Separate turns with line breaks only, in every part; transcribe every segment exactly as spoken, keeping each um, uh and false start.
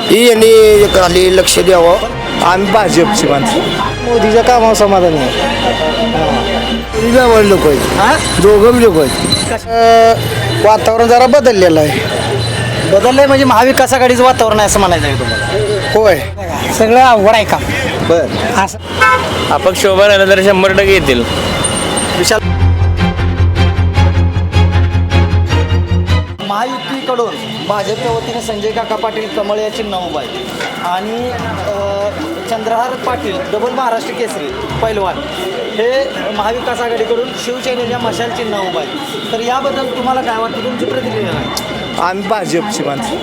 ही यांनी खाली लक्ष द्यावं.
आम्ही भाजपची माणसं. मोदीच्या कामावर समाधानी आहे.
जवळ लोक आहेत, दोघं लोक आहेत.
वातावरण जरा बदललेलं आहे.
बदललंय म्हणजे महाविकास आघाडीचं वातावरण आहे असं म्हणायचं आहे तुम्हाला?
होय.
सगळं अवघड आहे का?
बर.
असं
अपक्ष शोभा राहिला तर शंभर टक्के येतील.
विशाल महायुतीकडून भाजपच्या वतीने संजय काका पाटील कमळ या चिन्ह उभा आहे आणि अ, चंद्रहार पाटील डबल महाराष्ट्र केसरी पैलवान हे महाविकास आघाडीकडून शिवसेनेच्या मशाल चिन्ह उभा आहे. तर याबद्दल तुम्हाला काय वाटतं, तुमची प्रतिक्रिया आहे?
आम्ही भाजपची माणसं.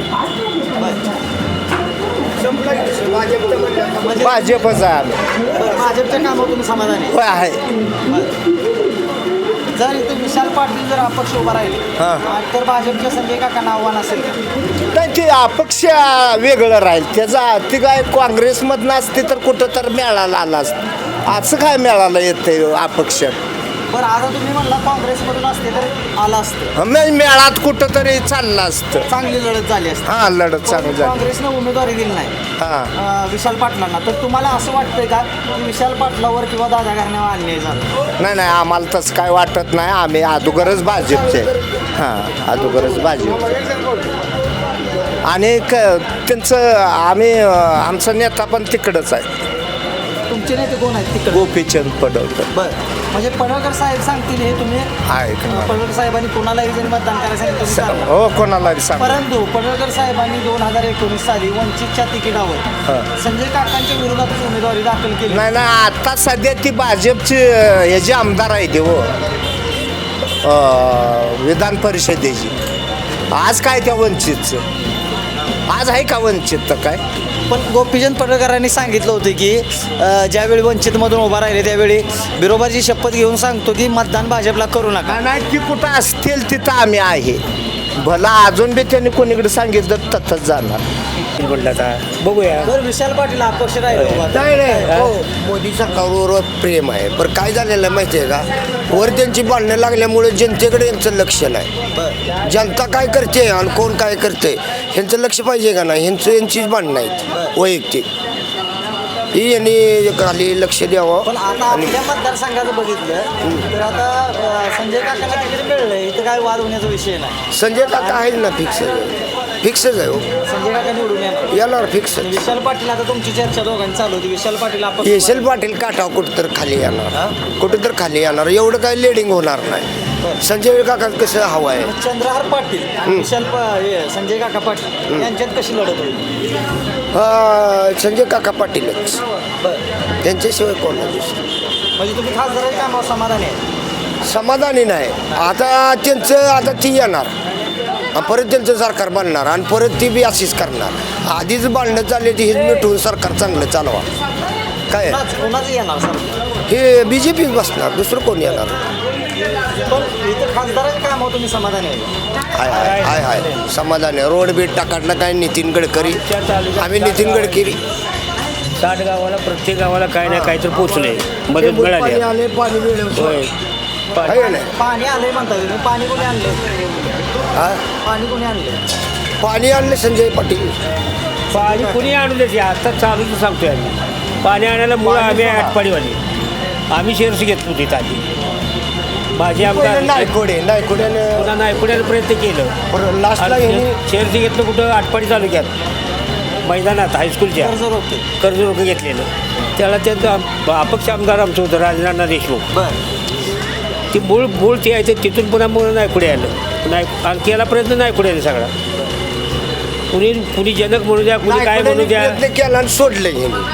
म्हणजे
भाजपच आहे आम्ही.
बरं, भाजपच्या कामावर तुम्ही समाधानी आहे?
होय आहे.
जर इथे विशाल पाटील जर अपक्ष उभा राहिले
हां.
तर भाजपच्या संजय काकांना आव्हान असेल का?
नाही, ते अपक्ष वेगळं राहील. त्याचा ती काय काँग्रेसमधनं असते तर कुठं तर मेळायला आला असतं. असं काय मेळायला येतं अपक्ष.
बरं, आता तुम्ही म्हणला काँग्रेसमधून असते तर आलं असतं,
मे- मेळात कुठं तरी चाललं असतं.
चांगली लढत झाली असते.
हां, लढत चांगली झाली.
काँग्रेसनं उमेदवारी दिली नाही
हां.
अं, विशाल पाटलांना. तर तुम्हाला असं वाटतंय का की विशाल पाटलावर किंवा दादा घराण्यावर अन्याय झाला?
नाही नाही, आम्हाला तसं काय वाटत नाही. आम्ही अगोदरच भाजपचे. हां, अगोदरच भाजप. आणि क त्यांचं आम्ही आमचा नेता पण तिकडंच आहे.
तुमचे नेते कोण आहेत तिकडे?
गोपीचंद पडवकर
बरं, म्हणजे पडळकर साहेब सांगतील हे तुम्ही
आहे.
अं, पडळकर साहेबांनी कोणालाही जरी मतदान करायला सांगितलं तुम्ही करणार.
हो, कोणाला सांग.
परंतु पडळकर साहेबांनी दोन हजार एकोणीस साली वंचितच्या तिकिटावर
हां.
संजय काकांच्या विरोधातच उमेदवारी दाखल केली.
नाही नाही, आता सध्या ती भाजपची ह्याची आमदार आहे ते हो, अं, विधान परिषदेची. आज काय त्या वंचितचं आज आहे का वंचित तर काय?
पण गोपीचंद पडळकरांनी सांगितलं होतं की अ, ज्यावेळी वंचितमधून उभा राहिले त्यावेळी बिरोबाची शपथ घेऊन सांगतो की मतदान भाजपला करू नका.
नाही, ती कुठं असतील तिथं आम्ही आहे. भला अजून बी त्यांनी कोणीकडे सांगितलं तथंच जाणार.
बघूया.
बरं, विशाल पाटील अपक्ष राहिले उभा.
नाही नाही हो, मोदी सरकारवर प्रेम आहे. पण काय झालेलं आहे माहिती आहे का, वर त्यांची भांडणं लागल्यामुळे जनतेकडे यांचं लक्ष नाही. जनता काय करते आणि कोण काय करते ह्यांचं लक्ष पाहिजे का नाही, ह्यांचं यांचीच भांडणं आहेत वैयक्तिक. ही यांनी खाली लक्ष द्यावं.
पण आता आपल्या मतदारसंघाचं बघितलं तर आता अ, संजय काकांना तिकीट मिळलं इथं काय वाद होण्याचा विषय नाही.
संजय काका आहे ना, फिक्स फिक्सच आहे हो,
संजय काका निवडून येणार.
येणार फिक्स.
विशाल पाटील, आता तुमची चर्चा दोघांची चालू होती, विशाल पाटील अपक्ष
येशल पाटील काटाव कुठं तर खाली येणार, कुठं तर खाली येणार. एवढं काही लेडिंग होणार नाही. संजय काका कसं हवं आहे.
चंद्रहार पाटील विशाल प- हे, संजय काका पाटील यांच्यात कशी लढत होईल?
हा, संजय काका पाटीलच,
बरं,
त्यांच्याशिवाय कोण नाही.
म्हणजे तुम्ही खासदाराच्या कामावर समाधानी आहे?
समाधानी नाही. आता त्यांचं आता ती येणार आणि परत त्यांचं सरकार बनणार आणि परत ती बी अशीच करणार. आधीच बांधणं चालले ती हेच मिटवून सरकार चांगलं चालवा. काय
कोणाच- कोणाचं येणार सर?
हे बी जे पी बसणार, दुसरं कोण येणार.
पण इथं खासदाराच्या कामावर तुम्ही समाधानी आहे?
हाय हाय हाय हाय समाधानी. रोड बीट टाकाडला काय नितीन गडकरी, आम्ही नितीन गडकरी.
साठ गावाला प्रत्येक गावाला काय ना काय तर पोचले, मदत मिळाली.
पाणी आले, पाणी मिळेल.
होय.
आहे का नाही?
पाणी आलंय म्हणता तुम्ही, पाणी कोणी आणले?
हा?
पाणी कोणी आणले?
पाणी आणले संजय पाटील.
पाणी कुणी आणून देते, आता चालूच सांगतोय आम्ही. पाणी आणायला मुळं आम्ही आटपाडीवाली, आम्ही शेअर्स घेत होती आधी. माझे आमदार
नायकोडे नायकोड्यानं
पुन्हा नाही पुण्याला प्रयत्न केलं.
लास्टला ह्यांनी
शेअर्स घेतलं कुठं, आटपाडी तालुक्यात मैदानात हायस्कूलच्या
कर्ज रोखते.
कर्ज रोखं घेतलेलं. त्याला त्यांचं आम- अपक्ष आमदार आमचं होतं राजनाना देशमुख.
बरं,
ती मूळ मूळ ते आहे ते तिथून पुन्हा मूळ नायकुडे आलं. नाय आणि केला प्रयत्न नायकुडे आले सगळा. कुणी कुणी जनक म्हणू द्या, कुणी काय म्हणू द्या.
प्रयत्न केला आणि सोडलं ह्यांनी.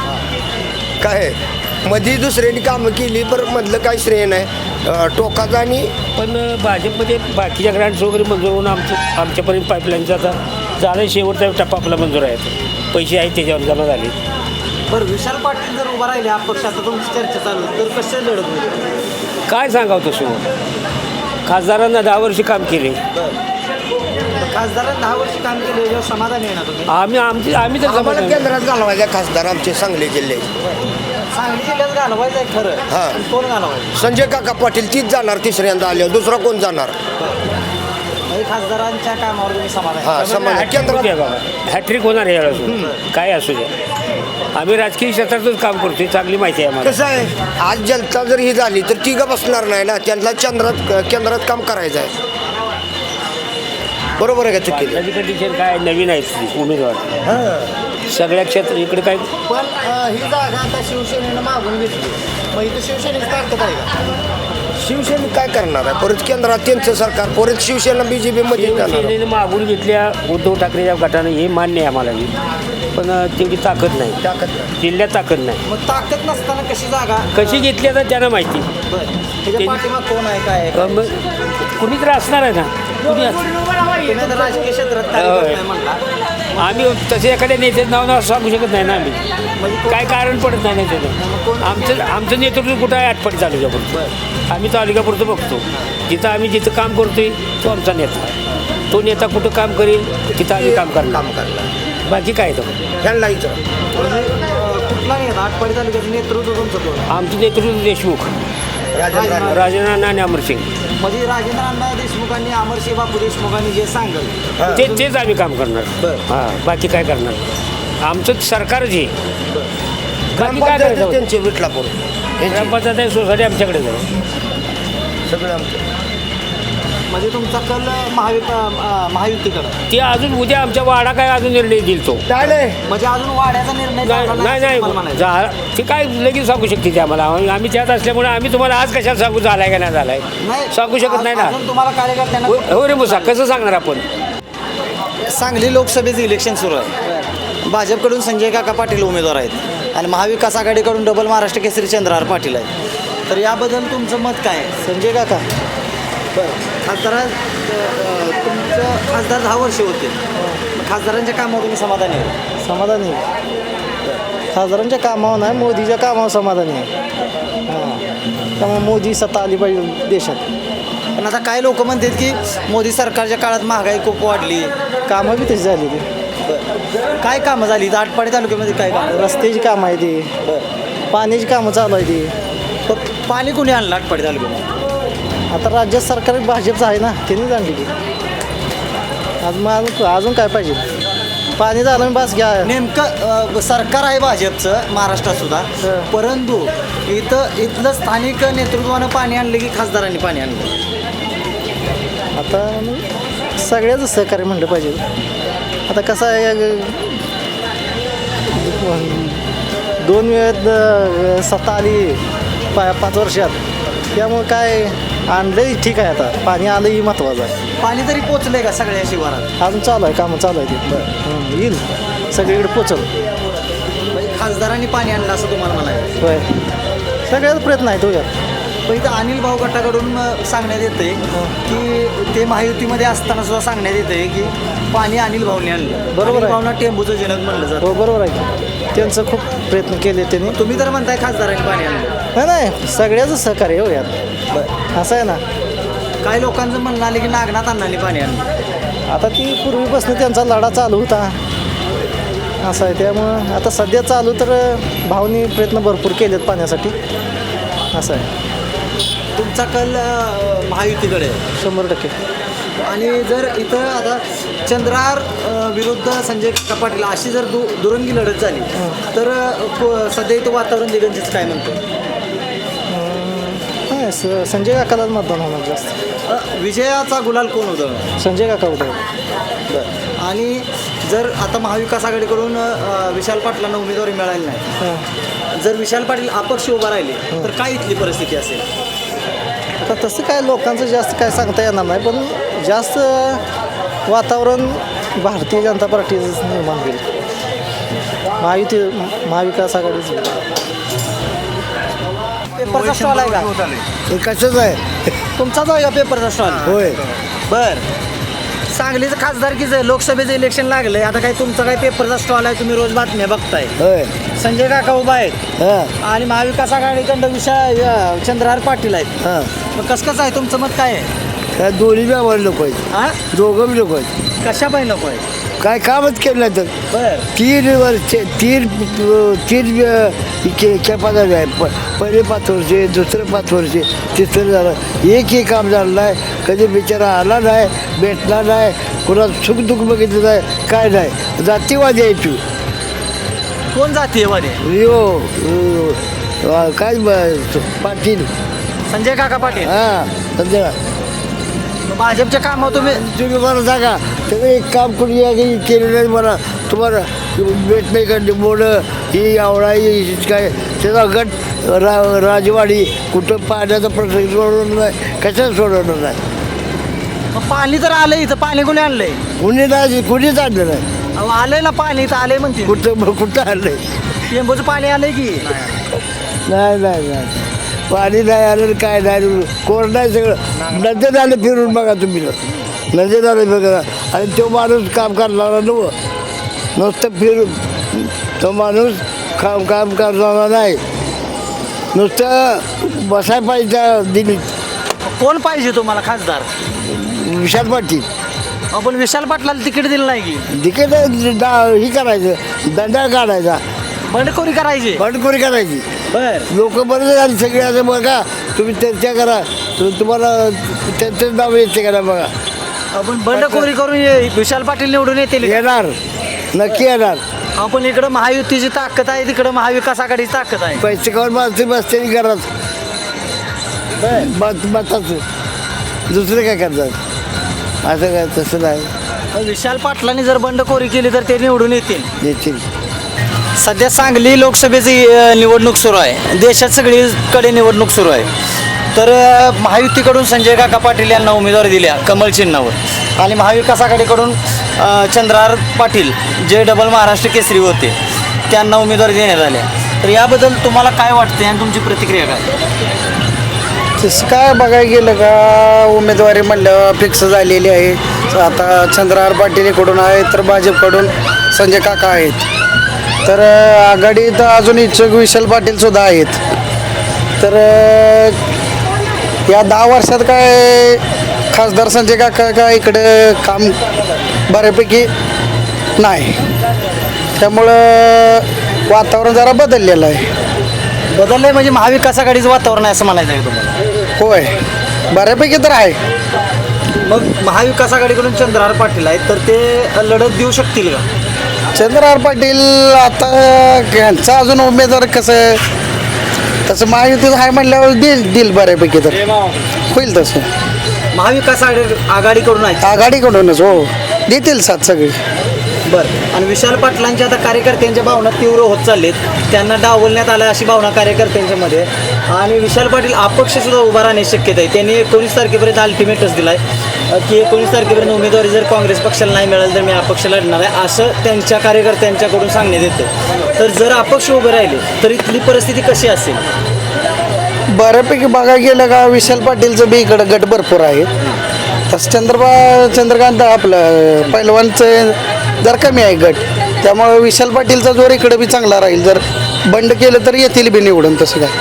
काय मध्ये दुसऱ्यांनी कामं केली, पण मधलं काही श्रेय नाही. अं, टोकाचं आणि
पण भाजपमध्ये बाकीच्या ग्रँड्स वगैरे मंजूर होऊन आमचं आमच्यापर्यंत पाईपलाईनचा आता झालं शेवटचा टप्पा आपला मंजूर आहे. पैसे आहेत त्याच्यावर जमा झाले.
बरं, विशाल पाटील जर उभा राहिले अपक्ष, आता तुमची चर्चा चालू आहे, तर कसे लढत होईल?
काय सांगावं तसं, खासदारांना दहा वर्ष काम केले.
खासदारांनी दहा वर्ष काम केले, याच्यावर समाधान आहे ना तुम्ही?
आम्ही आमची आम्ही तर
आम्हाला
समाधान.
केंद्रात घालवायचे खासदार आमचे सांगली जिल्हे.
सांगली जिल्ह्यात घालवायचं आहे खरं.
हां.
पण कोण घालवायचं?
संजय काका पाटील तीच जाणार तिसऱ्यांदा आल्यावर, दुसरा कोण जाणार.
म्हणजे खासदारांच्या कामावर तुम्ही समाधान
हा समाज केंद्रात
हॅट्रिक होणार आहे यावेळेस काय असू दे. आम्ही राजकीय क्षेत्रातच काम करतोय, चांगली माहिती आहे आम्हाला.
कसं आहे, आज जनता जर ही झाली तर ती का बसणार नाही ना, त्यांना चंद्रात केंद्रात काम करायचं आहे. बरोबर आहे का चुकी?
माझी कंडिशन काय नवीन आहे उमेदवार सगळ्या क्षेत्र इकडे काय
पण अ, ही जागा आता शिवसेनेनं मागून घेतली, मग इथं शिवसेनेची ताकद आहे का?
शिवसेना काय करणार आहे? परत केंद्रात त्यांचं सरकार, परत शिवसेना बी जे पीमध्ये जाणार.
शिवसेनेने मागून घेतल्या उद्धव ठाकरेच्या गटानं, हे मान्य आहे आम्हाला बी. पण तेवढी ताकद नाही,
ताकद नाही.
जिल्ह्यात ताकद नाही.
मग ताकद नसताना कशी जागा
कशी घेतली आता त्यांना माहिती.
बरं त्याच्या
ते-
पाठीमाग कोण आहे काय आहे?
अ, मग कुणी तर असणार आहे ना, कुणी अस-
तुम्ही तर राजकीय क्षेत्रात कार्यरत नाही म्हणला.
आम्ही तसे एखाद्या नेत्याचं नाव नाव सांगू शकत नाही ना आम्ही, काय कारण पडत नाही ना त्याचं. आमचं आमचं नेतृत्व कुठं आहे आटपाडी तालुक्यापुरतं. आम्ही तालुक्यापुरतं बघतो, जिथं आम्ही जिथं काम करतोय तो आमचा नेता. तो नेता कुठं काम करेल तिथं आम्ही काम करणार.
काम करणार
बाकी काय तर
ह्यांना इथं
म्हणजे अ, कुठला नाही आठपाडी तालुक्याचं नेतृत्व तुमचं कोण?
आमचं नेतृत्व देशमुख,
राजेंद्र राणे.
राजेंद्र आणि अमरसिंग,
म्हणजे राजेंद्र अण्णा देशमुखांनी अमरसिंह बापू देशमुखांनी जे सांगल
हा.
ते तेच आम्ही काम करणार.
बरं.
हां, बाकी काय करणार. आमचं सरकारच हे बाकी काय
ग्रामपंचायत
करायचं.
त्यांचे विटलापूर यांची
ग्रामपंचायत सोसायटी आमच्याकडे जाऊ.
सगळं आमचं.
म्हणजे तुमचा कल महाविक अ, महायुतीकडं
ते अजून उद्या आमच्या वाडा काय अजून निर्णय देईल तो.
काय नाही
म्हणजे अजून वाड्याचा निर्णय
नाही
झाला
नाही
असं
नाही
तुम्हाला म्हणायचं.
जा- ते काय लगेच सांगू शकते ते आम्हाला. आम्ही त्यात असल्यामुळे आम्ही तुम्हाला आज कशाला सांगू झालाय का नाही झालाय
नाही
सांगू शकत नाही ना.
अजून तुम्हाला कार्यकर्त्यांना
हो हो रे मुसा, कसं सांगणार आपण.
सांगली लोकसभेचं इलेक्शन सुरू आहे. भाजपकडून संजय काका पाटील उमेदवार आहेत आणि महाविकास आघाडीकडून डबल महाराष्ट्र केसरी चंद्रहार पाटील आहे. तर याबद्दल तुमचं मत काय आहे? संजय काका बरं खासदार तुमचं खासदार दहा वर्ष होते, खासदारांच्या कामावर तुम्ही समाधानी आहे?
समाधानी आहे. खासदारांच्या कामावर नाही, मोदीच्या कामावर समाधानी आहे. हां, त्यामुळे मोदी सत्ता आली पाहिजे देशात.
पण आता काय लोक म्हणतात की मोदी सरकारच्या काळात महागाई खूप वाढली.
कामं बी तशी झाली ती.
बरं. काय कामं झाली इथं आटपाडी तालुक्यामध्ये? काय कामं?
रस्त्याची कामं आहे ती,
बरं.
पाण्याची कामं चालू आहे ती.
प- पाणी कुणी आणलं आटपाडी तालुक्यामध्ये?
आता राज्यात सरकार भाजपचं आहे ना, त्यांनीच आणली की. आज मग अजून अजून काय पाहिजे? पाणी झालं मी बस घ्या.
नेमकं अ, सरकार आहे भाजपचं महाराष्ट्रात सुद्धा,
हं.
परंतु इथं इथलं स्थानिक नेतृत्वानं पाणी आणलं की खासदारांनी पाणी आणलं?
आता मग सगळ्याच सहकार्य म्हणलं पाहिजे. आता कसं आहे, अ, दोन वेळेत अ, सत्ता आली पा पाच वर्षात, त्यामुळे काय आणलं ठीक आहे. आता पाणी आलं ही महत्त्वाचं आहे.
पाणी तरी पोचलंय का सगळ्या शिवारात?
अजून चालू आहे, कामं चालू आहे ते. हं, येईल सगळीकडे पोचल.
म्हणजे खासदारांनी पाणी आणलं असं तुम्हाला म्हणायचं?
होय, सगळ्याच प्रयत्न आहे तो यात.
पण इथं अनिल भाऊ गटाकडून अ, सांगण्यात येतंय की ते महायुतीमध्ये असताना सुद्धा सांगण्यात येतंय की पाणी अनिल भाऊने आणलं.
बरोबर आहे.
अनिल भाऊना टेंबूचं जनक म्हणलं जातं.
हो बरोबर आहे की. त्यांचं खूप प्रयत्न केले त्यांनी.
तुम्ही तर म्हणताय खासदारांनी पाणी आणलं.
नाही नाही, सगळ्याच सहकार्य हो यात. असं आहे ना,
काही लोकांचं म्हणणं आलं की नागनाथ अण्णांनी पाणी आणलं.
आता ती पूर्वीपासून त्यांचा लढा चालू होता. असं आहे, त्यामुळं आता सध्या चालू तर भावनी प्रयत्न भरपूर केलेत पाण्यासाठी. असं आहे,
तुमचा कल अ, महायुतीकडे आहे.
शंभर टक्के.
आणि जर इथं आता चंद्रहार अ, विरुद्ध संजय काका पाटील अशी जर दु दुरंगी लढत झाली तर अ, को- सध्या इथं वातावरण दिगंजीच काय म्हणतो?
नाही, स संजय काकालाच मतदान होणार जास्त.
अ, विजयाचा गुलाल कोण उधळणार?
संजय काका होतं.
बरं. आणि जर आता महाविकास आघाडीकडून अ, विशाल पाटलांना उमेदवारी मिळाली नाही,
हां,
जर विशाल पाटील अपक्ष उभा राहिले तर काय इथली परिस्थिती असेल?
आता तसं काय लोकांचं जास्त काय सांगता येणार नाही, पण जास्त वातावरण भारतीय जनता पार्टीचं निर्माण होईल. महायुती महाविकास आघाडीचं.
पेपरचा स्टॉल आहे का?
हे कसंच आहे.
तुमचाच आहे का पेपरचा स्टॉल?
होय.
बर. सांगलीचं खासदारकीचं लोकसभेचं इलेक्शन लागलंय, आता काय तुमचा काय पेपरचा स्टॉल आहे, तुम्ही रोज बातम्या बघताय.
होय.
संजय काका उभा आहेत
हां
आणि महाविकास आघाडीकडं विषय अ, चंद्रहार पाटील आहेत.
हां
मग कसं कसं आहे तुमचं मत काय आहे?
काय दोन्ही बी आम्हाला लोक आहेत,
हा
दोघं बी लोक आहेत.
कशा पाहिजे नको आहे?
काय कामच केलं नाही तर
बर
तीन वर्ष तीन तीन खेपाचा आहे प पहिले पाच वर्षे दुसरं पाच वर्षे तिसरं झालं एकही काम झालं नाही कधी बिचारा आला नाही भेटला नाही कुणा सुख दुःख बघितलं नाही काय नाही जातीवादी आहे तू
कोण जाते मध्ये
यो अ, काय ब- पाटील
संजय काका पाटील
हां समजा
भाजपच्या कामावर तुम्ही
तुम्ही मला सांगा तुम्ही एक काम कोणी या काही केलं नाही मला तुम्हाला भेट नाही का मोडं ही आवळा ही काय त्याचा गट रा राजवाडी कुठं पाण्याचा प्रश्न सोडवणार नाही कशाच सोडवणार नाही
मग पाणी तर आलंय इथं पाणी कोणी आणलंय
कुणी नाही कुणीच आणलं नाही
अहो, आलंय ना पाणी इथं आलंय म्हणते
कुठं कुठं आणलंय
टेंबूचं पाणी आलंय की
नाही नाही नाही पाणी नाही आलं काय नाही कोण नाही सगळं नजर आलं फिरून बघा तुम्ही नजर आलं बघा आणि तो माणूस काम करणारा नव नुसतं फिरून तो माणूस काम काम करणारा नाही नुसतं बसाय पाहिजे दिल्लीत
कोण पाहिजे तुम्हाला खासदार
विशाल पाटील
आपण विशाल पाटलाला तिकीट दिलं नाही की
तिकीट ही करायचं दंडा काढायचा
बंडखोरी करायची
बंडखोरी करायची
बर
लोक बरेच झाली सगळे असं बघा तुम्ही चर्चा करा तु- तुम्हाला त्यांचं नाव येते करा बघा
आपण बंडखोरी करून ये- विशाल पाटील निवडून येतील
येणार नक्की येणार
आपण इकडं महायुतीची ताकद आहे तिकडं महाविकास आघाडीची ताकद आहे
पैसे खाऊन माणसं बसते घरात मत मताचं दुसरं काय करतात असं काय तसं नाही
पण विशाल पाटलांनी जर बंडखोरी केली तर ते निवडून येतील
येतील
सध्या सांगली लोकसभेची अ, निवडणूक सुरू आहे देशात सगळीकडे निवडणूक सुरू आहे तर अ, महायुतीकडून संजय काका पाटील यांना उमेदवारी दिल्या कमळ चिन्हावर आणि महाविकास आघाडीकडून अ, चंद्रहार पाटील जे डबल महाराष्ट्र केसरी होते त्यांना उमेदवारी देण्यात आल्या तर याबद्दल तुम्हाला काय वाटते आणि तुमची प्रतिक्रिया काय
तसं काय बघायला गेलं का उमेदवारी म्हणल्यावर फिक्स झालेली आहे आता चंद्रहार पाटील इकडून आहे तर भाजपकडून संजय काका आहेत तर अं, आघाडीत अजून इच्छुक विशाल पाटील सुद्धा आहेत तर अं, या दहा वर्षात काय खासदार संजय काका का इकडं काम बऱ्यापैकी नाही त्यामुळं वातावरण जरा बदललेलं आहे
बदललंय म्हणजे महाविकास आघाडीचं वातावरण आहे असं म्हणायचं आहे तुम्हाला
होय बऱ्यापैकी तर आहे
मग महाविकास आघाडीकडून चंद्रहार पाटील आहेत तर ते लढत देऊ शकतील का
चंद्रहार पाटील आता यांचा अजून उमेदवार कसं तसं महायुतीत आहे म्हणल्यावर देईल देईल बऱ्यापैकी तर होईल तसं
महाविकास आघाडी आघाडीकडून आहे
आघाडीकडूनच हो देतील साथ सगळी
बरं आणि विशाल पाटलांच्या आता कार्यकर्त्यांच्या भावना तीव्र होत चाललेत त्यांना डावलण्यात आलं अशी भावना कार्यकर्त्यांच्या मध्ये आणि विशाल पाटील अपक्ष सुद्धा उभा राहण्याची शक्यता आहे त्यांनी एकोणीस तारखेपर्यंत अल्टिमेटच दिलाय अ, की एकोणीस तारखेपर्यंत उमेदवारी जर काँग्रेस पक्षाला नाही मिळाली तर मी अपक्ष लढणार आहे असं त्यांच्या कार्यकर्त्यांच्याकडून सांगण्यात येतं तर जर अपक्ष उभे राहिले तर इथली परिस्थिती कशी असेल
बऱ्यापैकी बघायला गेलं का विशाल पाटीलचं बी इकडं गट भरपूर आहे तसं चंद्रबा चंद्रकांत आपलं पैलवानचं जर कमी आहे गट त्यामुळे विशाल पाटीलचा जोर इकडं बी चांगला राहील जर बंड केलं तर येतील बी निवडून तसं काय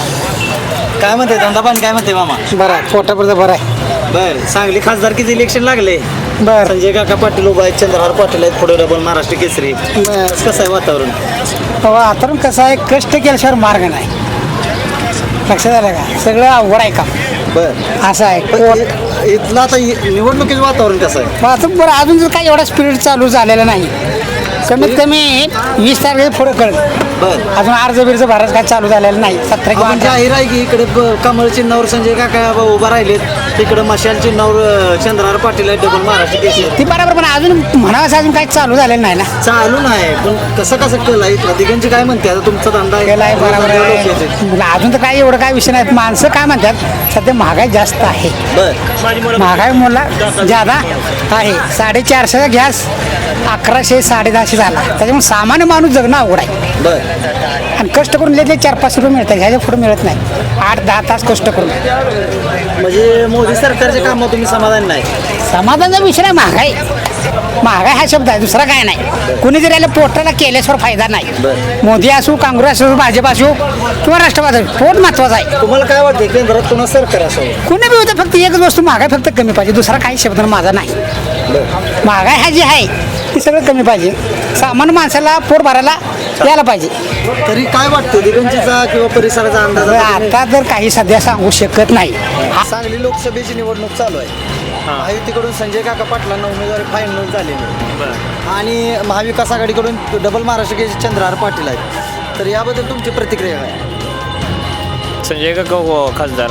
काय म्हणते धंदापान काय म्हणते मामा
बरं आहे पोटापुरतं बरं आहे
बरं सांगली खासदारकीचं इलेक्शन लागले
बरं
संजय काका पाटील उभा आहेत चंद्रहार पाटील आहेत पुढे डबल महाराष्ट्र केसरी
बरं.
कसं आहे वातावरण
वातावरण कसं आहे कष्ट केल्याशिवाय मार्ग नाही लक्षात आलं का सगळं अवघड आहे का
बरं
असं आहे
पण इ- इथलं आता इ- निवडणुकीचं वातावरण कसं आहे
वाहतूक बरं अजून जर काही एवढा स्पीड चालू झालेला नाही कमीत कमी वीस तारखे पुढं कळत
बरं
अजून अर्ज बिर्ज भरायचं काय चालू झालेलं नाही सतरा किंवा
आपण
अठरा.
जाहीर आहे की इकडे ब- कमळ चिन्हावर संजय काका उभा राहिलेत तिकडे मशाल चिन्हावर अ, चंद्रहार पाटील आहेत डबल महाराष्ट्र केसरी
ती बरोबर पण अजून म्हणावं अजून काही चालू झालेलं नाही ना
चालू नाही पण कसं कसं कल आहे इथलं दिगंची काय म्हणते आता तुमचा धंदा आहे
केला आहे बरोबर
लोक येतात.
आहे मला अजून तर काही एवढं काय विषय नाही माणसं काय म्हणतात सध्या महागाई जास्त आहे
बरं
महागाई मुला ज्यादा आहे साडेचारशेचा गॅस अकराशे साडेदहाशे झाला त्याच्यामुळे सामान्य माणूस जगणं अवघड आहे
बरं
आणि कष्ट करून घेतले चार पाच रुपये मिळतात ह्याच्या पुढे मिळत नाही आठ दहा तास कष्ट करून
म्हणजे मोदी सरकारच्या कामावर तुम्ही समाधान नाही
समाधानाचा विषय नाही महागाई महागाई हा शब्द आहे दुसरा काय नाही कुणी जरी याला पोटाला केल्याशिवाय फायदा नाही मोदी असो काँग्रेस असो भाजप असो किंवा राष्ट्रवादी असो, पोट महत्वाचं आहे
तुम्हाला काय वाटतं केंद्रात पुन्हा सरकार असावं
कुणी बी होतं फक्त एकच वस्तू महागाई फक्त कमी पाहिजे दुसरा काही शब्द माझा नाही महागाई हा जी आहे ती
सगळं कमी पाहिजे. सामान्य माणसाला पोट भरायला यायला पाहिजे.
तरी काय वाटतं दिगंजीचा किंवा परिसराचा अंदाज
आता तर काही सध्या सांगू शकत नाही.
सांगली लोकसभेची निवडणूक चालू आहे. महायुतीकडून संजय काका पाटलांना उमेदवारी फायनल झालेली आहे आणि महाविकास आघाडीकडून डबल महाराष्ट्र केसरी चंद्रहार पाटील आहेत. तर याबद्दल तुमची प्रतिक्रिया काय?
संजय काका हो खासदार.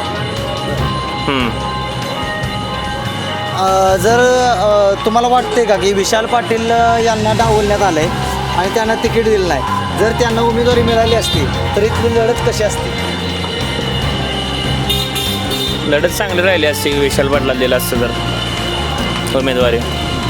अ, जर अ, तुम्हाला वाटते का की विशाल पाटील अ, यांना डावलण्यात आलं आहे आणि त्यांना तिकीट दिलं नाही, जर त्यांना उमेदवारी मिळाली असती तर इथली लढत कशी असते?
लढत चांगली राहिली असती विशाल पाटला दिला असतं तर उमेदवारी.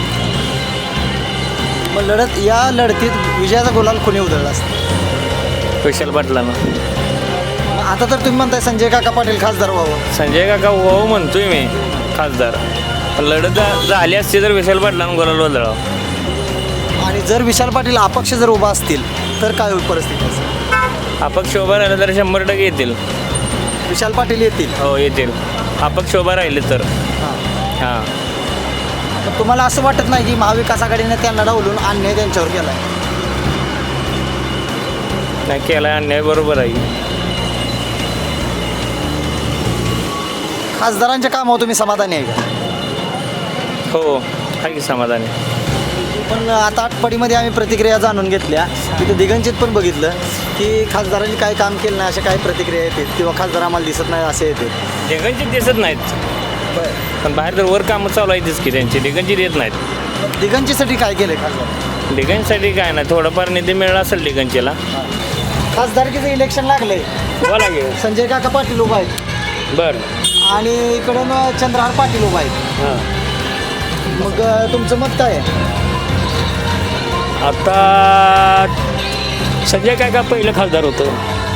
मग लढत या लढतीत विजयाचा गुलाल कोणी उधळला असतं?
विशाल पाटलानं.
मग आता तर तुम्ही म्हणताय संजय काका पाटील खासदार व्हावं.
संजय काका हो म्हणतोय मी खासदार. पण लढत झा- झाली असती तर विशाल पाटलानं गोलाल बदलावं.
आणि जर विशाल पाटील अपक्ष जर उभा असतील तर काय होईल परिस्थिती असेल?
अपक्ष उभा राहिलं तर शंभर टक्के येतील.
विशाल पाटील येतील.
हो येतील. अपक्ष उभा राहिले तर हां.
तर तुम्हाला असं वाटत नाही की महाविकास आघाडीने त्यांना डावलून अन्याय त्यांच्यावर केला आहे?
नाही केला अन्याय बरोबर आहे.
खासदारांच्या कामावर तुम्ही समाधानी आहे का?
हो आहे की समाधानी.
पण आता आटपाडीमध्ये आम्ही प्रतिक्रिया जाणून घेतल्या, तिथं दिगंजित पण बघितलं की खासदारांनी काय काम केलं नाही अशा काही प्रतिक्रिया येतात किंवा खासदार आम्हाला दिसत नाही असे येते.
दिगंजी दिसत नाहीत. पण बाहेर तर वर कामं चालू आहेतच की त्यांची. दिगंजी देत नाहीत.
दिगंजीसाठी काय केलं खासदार?
दिगंजीसाठी काय नाही, थोडंफार निधी मिळाला असेल दिगंजीला.
खासदारकीचं इलेक्शन लागलंय.
हो लागेल.
संजय काका पाटील उभा आहेत
बरं.
आणि इकडून चंद्रहार पाटील उभा आहेत.
हां.
मग अ, तुमचं मत काय आहे?
आता संजय काका पहिलं खासदार होतं.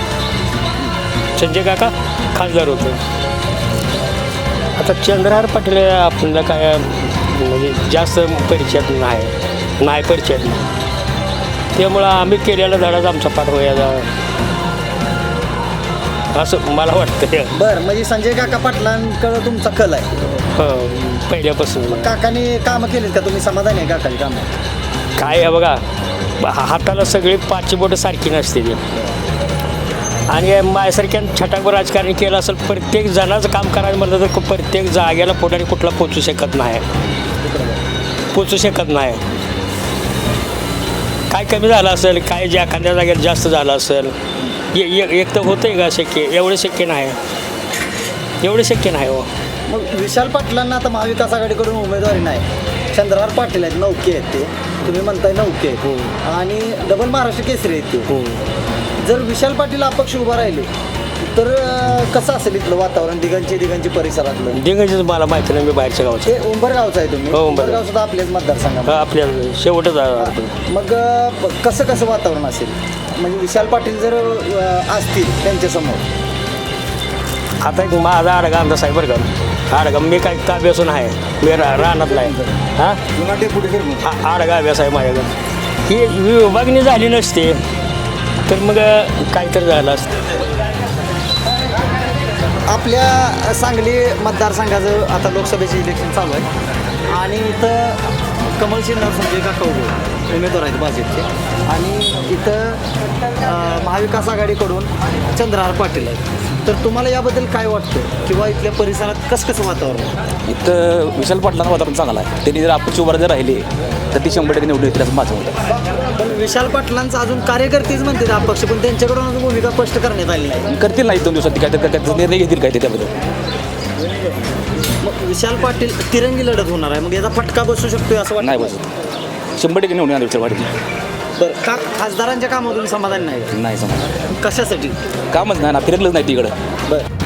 संजय काका खासदार होतं. आता चंद्रहार पाटील आपल्याला काय म्हणजे जास्त परिचयात नाही नाही परिचयात नाही. त्यामुळं आम्ही केलेला धडाच आमचा पाठवायचा असं मला वाटतं.
बरं, म्हणजे संजय काका पाटलांकडं तुमचा कल आहे.
हो पहिल्यापासून.
काकाने कामं केलीत का? तुम्ही समाधानी आहे काकाची कामं?
काय आहे बघा, हा- हाताला सगळी पाचशे बोटं सारखी नसते ती. आणि माझ्यासारख्या छटाकभर राजकारण केलं असेल, प्रत्येक जणाचं काम करायला म्हटलं तर प्रत्येक जागेला पुढारी कुठला पोचू शकत नाही पोचू शकत नाही. काय कमी झालं असेल, काय ज्या एखाद्या जागेला जास्त झालं असेल, ए- ए- एक तर होतं आहे का शक्य? एवढं शक्य नाही. एवढं शक्य नाही हो.
मग विशाल पाटलांना आता महाविकास आघाडीकडून उमेदवारी नाही. चंद्रहार पाटील आहेत, नौके आहेत ते, तुम्ही म्हणताय नौके आहेत आणि डबल महाराष्ट्र केसरी आहेत ते. जर विशाल पाटील अपक्ष उभा राहिले तर अ, कसं असेल इथलं वातावरण दिगंची दिगंची परिसरातलं?
डिंगाचीच मला माहिती नाही, मी बाहेरच्या गावचं.
ते उंबरगावचं आहे तुम्ही.
हो, उंबरगाव.
उंबरगाव सुद्धा आपल्याच मतदारसंघात.
आपल्या शेवटच आहे.
मग अ, कसं कसं वातावरण असेल? म्हणजे विशाल पाटील जर अ, असतील त्यांच्यासमोर?
आता एक माझा आडगा अंदाज आहे बरं का. आडगा मी काय अभ्यासून आहे, मी रा राहणार नाही. हां आडगा अभ्यास आहे माझ्याकडे. ही विभागणी झाली नसते तर मग काहीतरी झालं असतं.
आपल्या सांगली मतदारसंघाचं आता लोकसभेचे इलेक्शन चालू आहे आणि इथं कमल शिंदे संजय काका उभे उमेदवार आहेत भाजपचे आणि इथं अ, महाविकास आघाडीकडून चंद्रहार पाटील आहेत. तर तुम्हाला याबद्दल काय वाटतं किंवा इथल्या परिसरात कसं कसं वातावरण आहे?
इथं विशाल पाटलांना वातावरण चांगलं आहे. त्यांनी जर अपक्ष उभा जर राहिले तर ती शंभर टक्के निवडून येतील असं माझं मत आहे.
पण विशाल पाटलांचं अजून कार्यकर्तेच म्हणतात अपक्ष, पण त्यांच्याकडून अजून भूमिका स्पष्ट करण्यात आली नाही.
करतील नाही दोन दिवसात काय तर त्याचा निर्णय घेतील काय ते त्याबद्दल.
मग विशाल पाटील तिरंगी लढत होणार आहे, मग याचा फटका बसू शकतोय असं वाटतं?
नाही बसत. शंभर टक्के निवडून येणार विशाल पाटील.
बरं, का खासदारांच्या कामातून समाधान नाही?
नाही समज
कशासाठी?
कामच नाही ना, फिरकलंच नाही तिकडं.
बरं.